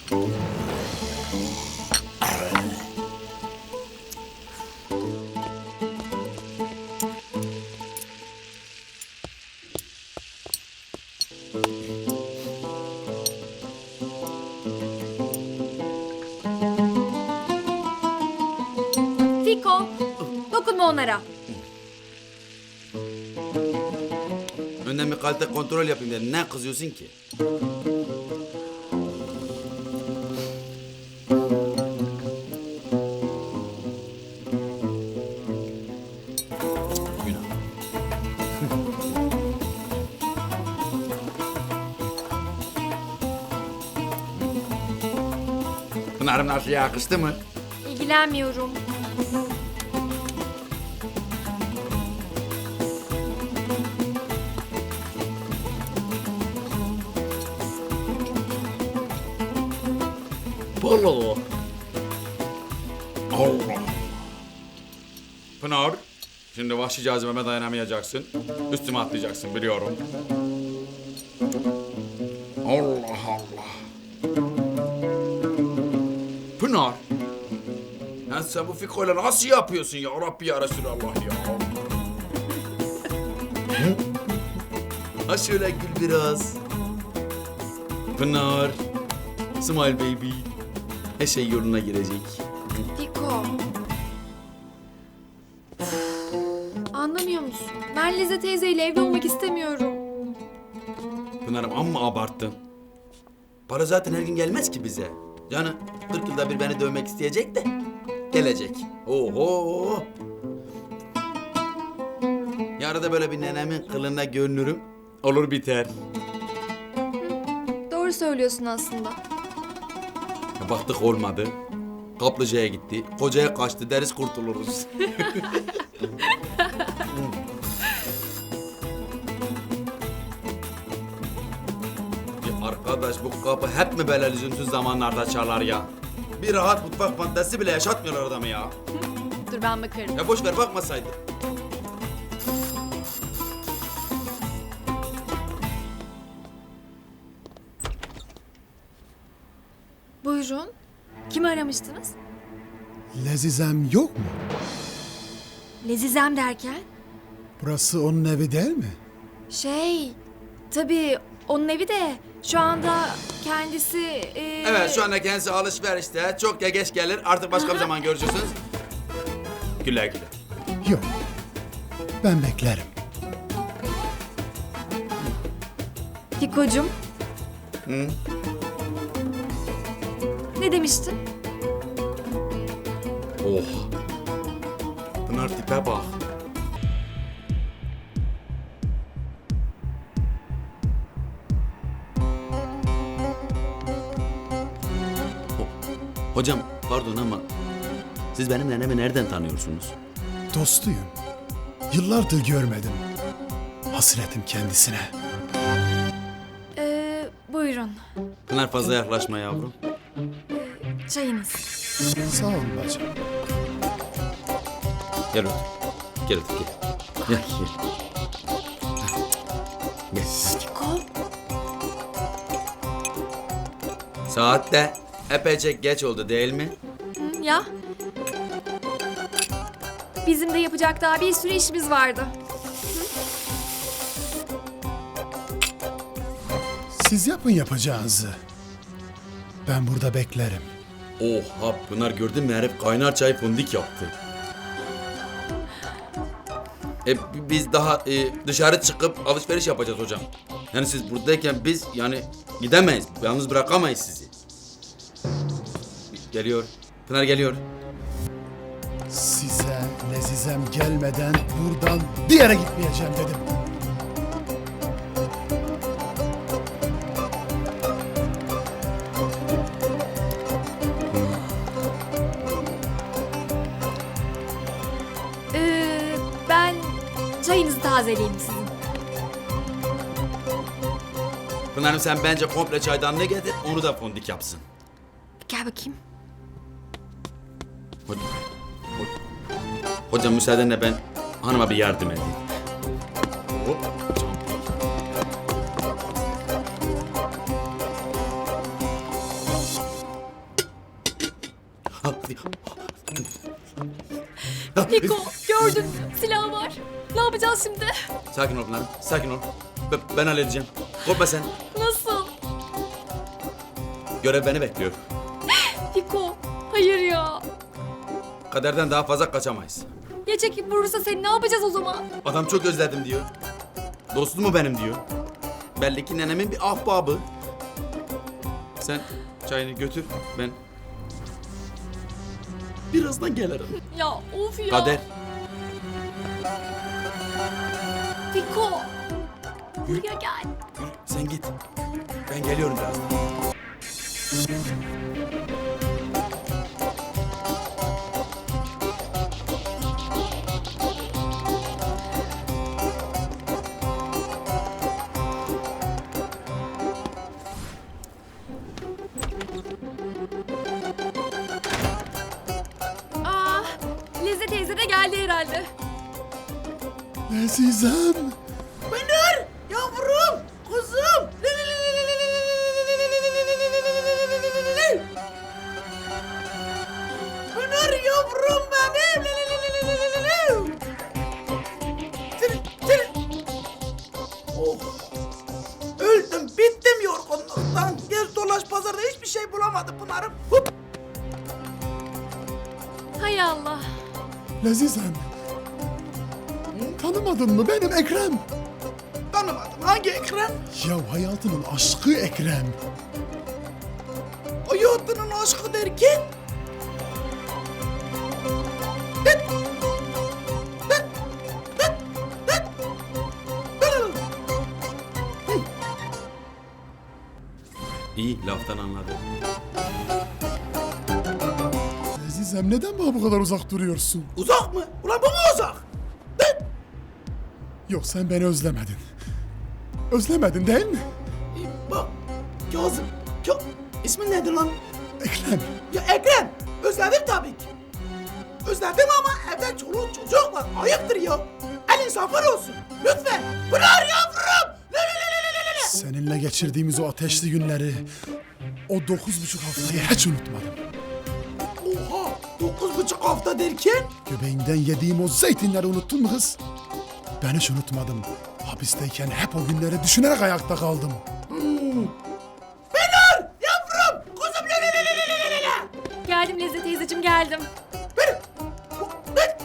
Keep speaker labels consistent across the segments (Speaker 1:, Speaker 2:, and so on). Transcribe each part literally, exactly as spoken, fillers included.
Speaker 1: Fiko, dokunma onlara.
Speaker 2: Önden bir kalite kontrol yapayım dedim. Ne kızıyorsun ki? Günah. Pınar'ım nasıl yakıştı mı?
Speaker 1: İlgilenmiyorum.
Speaker 2: Allah. Allah. Pınar, şimdi vahşi cazibeme dayanamayacaksın. Üstüme atlayacaksın biliyorum. Allah Allah. Pınar. Ya sen bu Fiko'yla nasıl yapıyorsun ya Rabbi ya Resulallah ya. Hı? Ha şöyle gül biraz. Pınar. Smile baby. Her şey yoluna girecek.
Speaker 1: Fiko. Anlamıyor musun? Ben Lize teyzeyle evli olmak istemiyorum.
Speaker 2: Pınar'ım amma abarttın. Para zaten her gün gelmez ki bize. Yani kırk yılda bir beni dövmek isteyecek de gelecek. Oho. Yarın da böyle bir nenemin kılına görünürüm. Olur biter.
Speaker 1: Doğru söylüyorsun aslında.
Speaker 2: Ya baktık olmadı. Kaplıca'ya gitti. Kocaya kaçtı deriz kurtuluruz. Ya arkadaş bu kapı hep mi böyle lüzumsuz zamanlarda çalar ya? Bir rahat mutfak fantezisi bile yaşatmıyorlar adamı ya.
Speaker 1: Dur ben bakarım.
Speaker 2: Ya boş ver bakmasaydı.
Speaker 1: Buyurun. Kimi aramıştınız?
Speaker 3: Lezizem yok mu?
Speaker 1: Lezizem derken?
Speaker 3: Burası onun evi değil mi?
Speaker 1: Şey, tabii onun evi de şu anda kendisi... e,
Speaker 2: Evet şu anda kendisi alışverişte. Çok ya geç gelir. Artık başka bir zaman görüşürsünüz. Güle güle.
Speaker 3: Yok. Ben beklerim.
Speaker 1: Fiko'cum.
Speaker 2: Hı?
Speaker 1: Ne demiştin?
Speaker 2: Oh. Pınar tipe bak. Ho- Hocam pardon ama siz benim nenemi nereden tanıyorsunuz?
Speaker 3: Dostuyum. Yıllardır görmedim. Hasretim kendisine.
Speaker 1: Ee, buyurun.
Speaker 2: Pınar fazla yaklaşma yavrum.
Speaker 1: Çayınız.
Speaker 3: Sağ ol bacım.
Speaker 2: Gel otur. Gel otur gel. Gel gel. Gel.
Speaker 1: Fiko.
Speaker 2: Saat de epeyce geç oldu değil mi?
Speaker 1: Hı, ya. Bizim de yapacak daha bir sürü işimiz vardı.
Speaker 3: Siz yapın yapacağınızı. Ben burada beklerim.
Speaker 2: Oha Pınar gördün mü herif kaynar çay fundik yaptı. E, biz daha e, dışarı çıkıp alışveriş yapacağız hocam. Yani siz buradayken biz yani gidemeyiz. Yalnız bırakamayız sizi. Geliyor. Pınar geliyor.
Speaker 3: Size Lezizem gelmeden buradan bir yere gitmeyeceğim dedim.
Speaker 1: Ee, ben çayınızı tazeleyeyim sizin.
Speaker 2: Pınar'ım sen bence komple çaydanlığı getir, onu da fondik yapsın.
Speaker 1: Gel bakayım.
Speaker 2: Hocam, hocam müsaadenle ben hanıma bir yardım edeyim. Hop.
Speaker 1: Fiko gördün mü? Silah var. Ne yapacağız şimdi?
Speaker 2: Sakin ol Pınar'ım, sakin ol. Ben, ben halledeceğim. Korkma sen.
Speaker 1: Nasıl?
Speaker 2: Görev beni bekliyor.
Speaker 1: Fiko hayır ya.
Speaker 2: Kaderden daha fazla kaçamayız.
Speaker 1: Ya çekip vurursa seni ne yapacağız o zaman?
Speaker 2: Adam çok özledim diyor. Dostum mu benim diyor. Belli ki nenemin bir ahbabı. Sen çayını götür, ben birazdan gelirim.
Speaker 1: Ya of ya.
Speaker 2: Kader.
Speaker 1: Fiko. Buraya gel.
Speaker 2: Yürü, sen git. Ben geliyorum birazdan.
Speaker 1: Aa, Leze teyze de geldi herhalde.
Speaker 3: Azizem.
Speaker 2: Pınar! Yavrum! Kuzum! Pınar yavrum benim! Oh! Öldüm, bittim yorgunluktan. Gez dolaş pazarda hiçbir şey bulamadım Pınar'ım. Hup!
Speaker 1: Hay Allah.
Speaker 3: Azizem. Tanımadın mı benim Ekrem?
Speaker 2: Tanımadım. Hangi Ekrem?
Speaker 3: Ya hayatının aşkı Ekrem.
Speaker 2: Hayatının aşkı derken? Dıt! Dıt! Dıt! Dıt! Dıt! Hı. İyi, laftan anladım.
Speaker 3: Azizem neden bana bu kadar uzak duruyorsun?
Speaker 2: Uzak mı? Ulan bu mu uzak? Dıt!
Speaker 3: Yok sen beni özlemedin. Özlemedin değil mi?
Speaker 2: Bak, Kazım. Ka İsmin nedir lan?
Speaker 3: Ekrem.
Speaker 2: Ya Ekrem. Özledim tabii ki. Özledim ama evde çoluk çocuk var. Ayıptır ya. El insafın olsun. Lütfen. Pınar yavrum. Le, le, le, le, le, le.
Speaker 3: Seninle geçirdiğimiz o ateşli günleri, o dokuz buçuk haftayı hiç unutmadım.
Speaker 2: Oha. Dokuz buçuk hafta derken?
Speaker 3: Göbeğinden yediğim o zeytinleri unuttun mu kız? Ben hiç unutmadım. Hapisteyken hep o günleri düşünerek ayakta kaldım.
Speaker 2: Pınar yavrum. Kuzum. Le, le, le, le, le, le, le, le.
Speaker 1: Geldim Leze teyzeciğim geldim.
Speaker 2: Pınar. Pınar.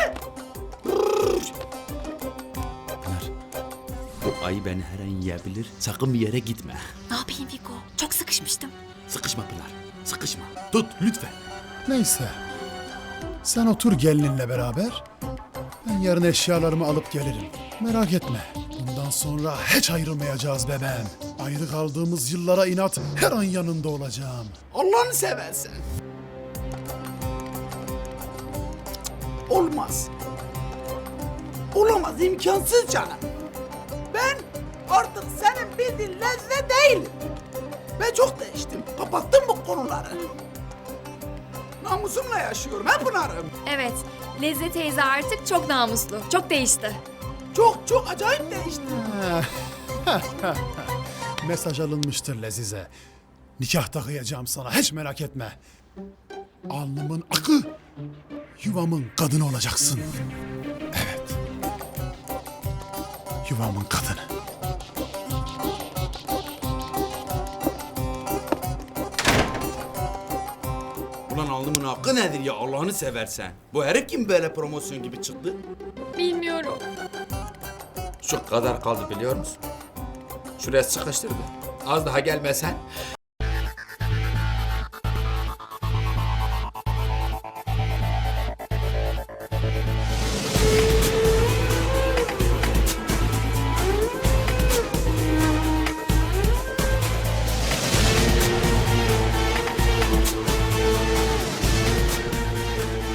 Speaker 2: Pınar. Bu ayı beni her an yiyebilir. Sakın bir yere gitme.
Speaker 1: Ne yapayım Fiko? Çok sıkışmıştım.
Speaker 2: Sıkışma Pınar. Sıkışma. Tut lütfen.
Speaker 3: Neyse. Sen otur gelininle beraber. Ben yarın eşyalarımı alıp gelirim. Merak etme. Bundan sonra hiç ayrılmayacağız bebeğim. Ayrı kaldığımız yıllara inat her an yanında olacağım.
Speaker 2: Allah'ını seversen. Olmaz. Olamaz, imkansız canım. Ben artık senin bildiğin lezzet değilim. Ben çok değiştim. Kapattım bu konuları. Namusumla yaşıyorum he Pınar'ım.
Speaker 1: Evet, Leze teyze artık çok namuslu. Çok değişti.
Speaker 2: Çok çok acayip değiştim.
Speaker 3: Mesaj alınmıştır Lezize. Nikah takıyacağım sana hiç merak etme. Alnımın akı, yuvamın kadını olacaksın. Evet. Yuvamın kadını.
Speaker 2: Ulan alnımın hakkı nedir ya Allah'ını seversen? Bu herif kim böyle promosyon gibi çıktı?
Speaker 1: Bilmiyorum.
Speaker 2: Şu kadar kaldı biliyor musun? Şuraya sıkıştırdı. Az daha gelmesen